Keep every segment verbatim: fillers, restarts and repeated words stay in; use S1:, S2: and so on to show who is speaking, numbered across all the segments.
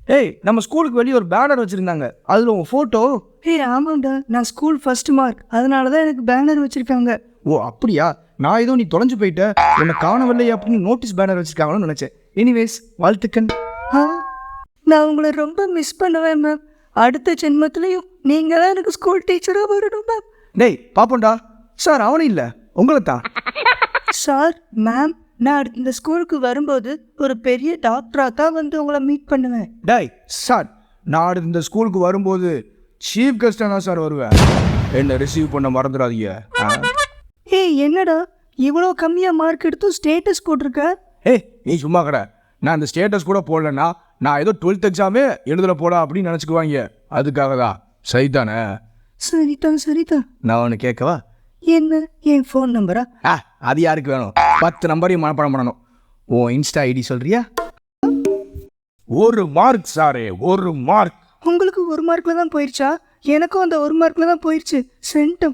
S1: ஏய் நம்ம ஸ்கூலுக்கு வெளியே ஒரு பேனர் வச்சுருந்தாங்க, அதில் உங்கள் ஃபோட்டோ.
S2: ஏய் ஆமாண்டா, நான் ஸ்கூல் ஃபர்ஸ்ட் மார்க், அதனால தான் எனக்கு பேனர் வச்சுருக்காங்க.
S1: ஓ அப்படியா? நான் ஏதோ நீ தொலைஞ்சு போயிட்ட, உன்னை காணவில்லை அப்படின்னு நோட்டீஸ் பேனர் வச்சுருக்காங்கன்னு நினச்சேன். எனிவேஸ் வாழ்த்துக்கள்.
S2: ஆ நான் உங்களை ரொம்ப மிஸ் பண்ணுவேன் மேம். அடுத்த ஜென்மத்துலேயும் நீங்கள் தான் எனக்கு ஸ்கூல் டீச்சராக வரணும் மேம்.
S1: டேய் பாப்போண்டா. சார் அவனும் இல்லை, உங்களை தான்.
S2: சார் மேம், நான் அடுத்த இந்த ஸ்கூலுக்கு வரும்போது ஒரு பெரிய டாக்டராக தான் வந்து உங்களை மீட் பண்ணுவேன்.
S1: டேய் சார், நான் அடுத்து இந்த ஸ்கூலுக்கு வரும்போது சீஃப் கெஸ்டாக தான் சார் வருவேன். என்னை ரிசீவ் பண்ண மறந்துடாதீங்க.
S2: ஏய் என்னடா இவ்வளோ கம்மியாக மார்க் எடுத்தும் ஸ்டேட்டஸ் போட்டிருக்க?
S1: ஏய் நீ சும்மா கடை. நான் இந்த ஸ்டேட்டஸ் கூட போடலன்னா நான் ஏதோ டுவெல்த் எக்ஸாமே எழுதல போடா அப்படின்னு நினச்சிக்குவாங்க. அதுக்காக தான். சரிதானே?
S2: சரிதான் சரிதான்.
S1: நான் ஒன்று கேட்கவா?
S2: என்ன, என் ஃபோன் நம்பரா?
S1: ஆ அது யாருக்கு வேணும்? பத்து நம்பரையும் மனப்பாடம் பண்ணணும். ஓ இன்ஸ்டா ஐடி சொல்றியா? ஒரு மார்க் சாரே, ஒரு மார்க்.
S2: உங்களுக்கு ஒரு மார்க்கில் தான் போயிடுச்சா? எனக்கும் அந்த ஒரு மார்க்கில் தான் போயிடுச்சு. சென்டம்.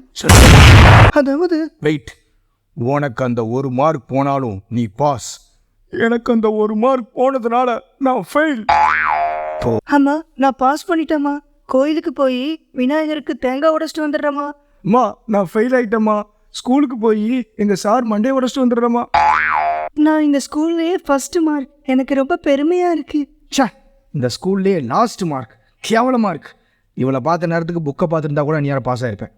S2: அதாவது
S1: வெயிட், உனக்கு அந்த ஒரு மார்க் போனாலும் நீ பாஸ், எனக்கு அந்த ஒரு மார்க் போனதுனால நான் ஃபெயில்.
S2: ஆமாம், நான் பாஸ் பண்ணிட்டேம்மா. கோயிலுக்கு போய் விநாயகருக்கு தேங்காய் உடைச்சிட்டு வந்துடுறேம்மா.
S1: அம்மா நான் ஃபெயில் ஆகிட்டேம்மா. ஸ்கூலுக்கு போய் எங்கள் சார் மண்டே உடச்சிட்டு வந்துடுறேம்மா.
S2: நான் இந்த ஸ்கூல்லையே ஃபர்ஸ்ட் மார்க், எனக்கு ரொம்ப பெருமையாக இருக்கு.
S1: சே, இந்த ஸ்கூல்லேயே லாஸ்ட் மார்க், கேவல மார்க். இவளை பார்த்த நேரத்துக்கு புக்கை பார்த்துருந்தா கூட நீ யாரும் பாஸ் ஆகிருப்பேன்.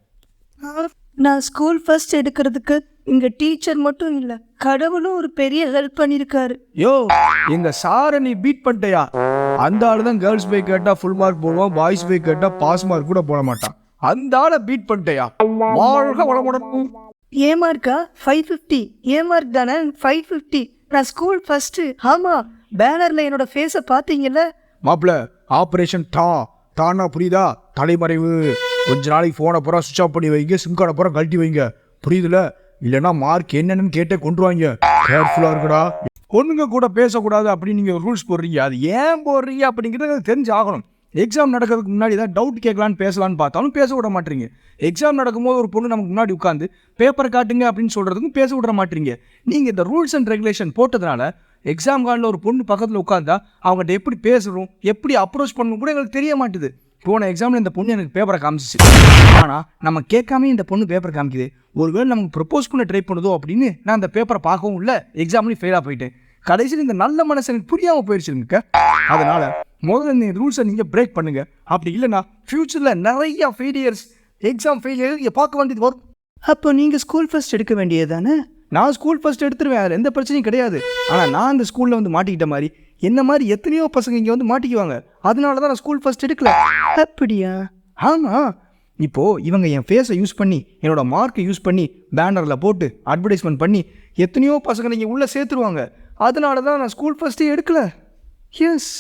S2: நான் ஸ்கூல் ஃபர்ஸ்ட் எடுக்கிறதுக்கு இங்கே டீச்சர் மட்டும் இல்லை, கடவுளும் ஒரு பெரிய ஹெல்ப் பண்ணியிருக்காரு.
S1: யோ, எங்கள் சாரை நீ பீட் பண்ணிட்டியா? அந்த ஆள் தான் கேர்ள்ஸ் போய் கேட்டால் ஃபுல் மார்க் போடுவான், பாய்ஸ் போய் கேட்டால் பாஸ் மார்க் கூட போட மாட்டான். அந்த ஆளை பீட் பண்ணிட்டியா? வாழ்க வளமுடன்.
S2: ஏ மார்க்கா? Five fifty. ஏ மார்க் தானே? Five fifty. நான் ஸ்கூல் ஃபர்ஸ்ட்டு. ஆமாம், பேனரில் என்னோட ஃபேஸை பார்த்தீங்கல்ல?
S1: மாப்பிள்ள, ஆப்ரேஷன் டா தானா புரியுதா? தலைமறைவு. கொஞ்ச நாளைக்கு ஃபோனை பூரா சுவிச் ஆஃப் பண்ணி வைங்க, சிம் கார்டை பூரா கழட்டி வைங்க, புரியுதுல? இல்லைன்னா மார்க் என்னென்னு கேட்டே கொண்டுருவாங்க. கேர்ஃபுல்லாக இருக்குடா. பொண்ணுங்க கூட பேசக்கூடாது அப்படின்னு நீங்கள் ரூல்ஸ் போடுறீங்க. அது ஏன் போடுறீங்க அப்படிங்கிறது தெரிஞ்சு ஆகணும். எக்ஸாம் நடக்கிறதுக்கு முன்னாடி தான் டவுட் கேட்கலான்னு பேசலான்னு பார்த்தாலும் பேச விட மாட்டீங்க. எக்ஸாம் நடக்கும்போது ஒரு பொண்ணு நமக்கு முன்னாடி உட்காந்து பேப்பர் காட்டுங்க அப்படின்னு சொல்கிறதுக்கும் பேச விட மாட்டீங்க. நீங்கள் இந்த ரூல்ஸ் அண்ட் ரெகுலேஷன் போட்டதுனால எக்ஸாம் காலில் ஒரு பொண்ணு பக்கத்தில் உட்காந்தா அவங்ககிட்ட எப்படி பேசணும், எப்படி அப்ரோச் பண்ணணும் கூட எங்களுக்கு தெரிய மாட்டுது. போன எக்ஸாமில் இந்த பொண்ணு எனக்கு பேப்பரை காமிச்சிச்சு. ஆனால் நம்ம கேட்காம இந்த பொண்ணு பேப்பர் காமிக்குது. ஒருவேளை நமக்கு ப்ரப்போஸ் பண்ண ட்ரை பண்ணுதோ அப்படின்னு நான் அந்த பேப்பரை பார்க்கவும் இல்லை, எக்ஸாம்லேயும் ஃபெயிலாக போயிட்டேன். கடைசியில் இந்த நல்ல மனசு எனக்கு புரியாமல் போயிடுச்சுங்க. அதனால் முதல்ல இந்த ரூல்ஸை நீங்கள் பிரேக் பண்ணுங்கள். அப்படி இல்லைன்னா ஃப்யூச்சரில் நிறையா ஃபெயிலியர்ஸ், எக்ஸாம் ஃபெயிலியர் இங்கே பார்க்க வேண்டியது வரும்.
S2: அப்போ நீங்கள் ஸ்கூல் ஃபர்ஸ்ட் எடுக்க வேண்டியது தானே?
S1: நான் ஸ்கூல் ஃபர்ஸ்ட் எடுத்துருவேன், அதில் எந்த பிரச்சனையும் கிடையாது. ஆனால் நான் அந்த ஸ்கூலில் வந்து மாட்டிக்கிட்ட மாதிரி என்ன மாதிரி எத்தனையோ பசங்க இங்கே வந்து மாட்டிக்குவாங்க. அதனால தான் நான் ஸ்கூல் ஃபர்ஸ்ட் எடுக்கல.
S2: அப்படியா?
S1: ஆமாம். இப்போது இவங்க என் ஃபேஸை யூஸ் பண்ணி, என்னோட மார்க்கை யூஸ் பண்ணி பேனரில் போட்டு அட்வர்டைஸ்மெண்ட் பண்ணி எத்தனையோ பசங்க நீங்கள் உள்ளே சேர்த்துருவாங்க. அதனால தான் நான் ஸ்கூல் ஃபர்ஸ்ட்டே எடுக்கல. எஸ்.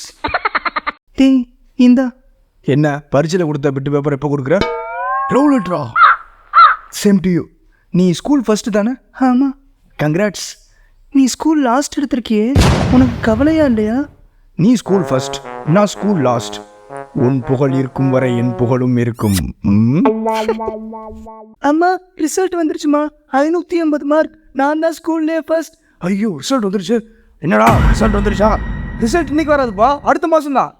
S2: டே இந்தா.
S1: என்ன பரீட்சையில் கொடுத்த பிட்டு பேப்பர் எப்போ கொடுக்குற? ரோல் இட்ரா. Same to you. நீ ஸ்கூல் ஃபர்ஸ்ட்டு தானே?
S2: ஆமாம்.
S1: கங்க்ராட்ஸ்.
S2: நீ ஸ்கூல் லாஸ்ட் எடுத்திருக்கியே, உனக்கு கவலையா இல்லையா?
S1: நீ ஸ்கூல் ஃபர்ஸ்ட், நான் ஸ்கூல் லாஸ்ட். உன் புகழ் இருக்கும் வரை என் புகழும் இருக்கும்.
S2: அம்மா ரிசல்ட் வந்துருச்சுமா. ஐநூற்றி ஐம்பது மார்க். நான் தான் ஸ்கூல்லே ஃபர்ஸ்ட்.
S1: ஐயோ ரிசல்ட் வந்துருச்சு. என்னடா ரிசல்ட் வந்துருச்சா? ரிசல்ட் இன்னைக்கு வராதுப்பா, அடுத்த மாதம் தான்.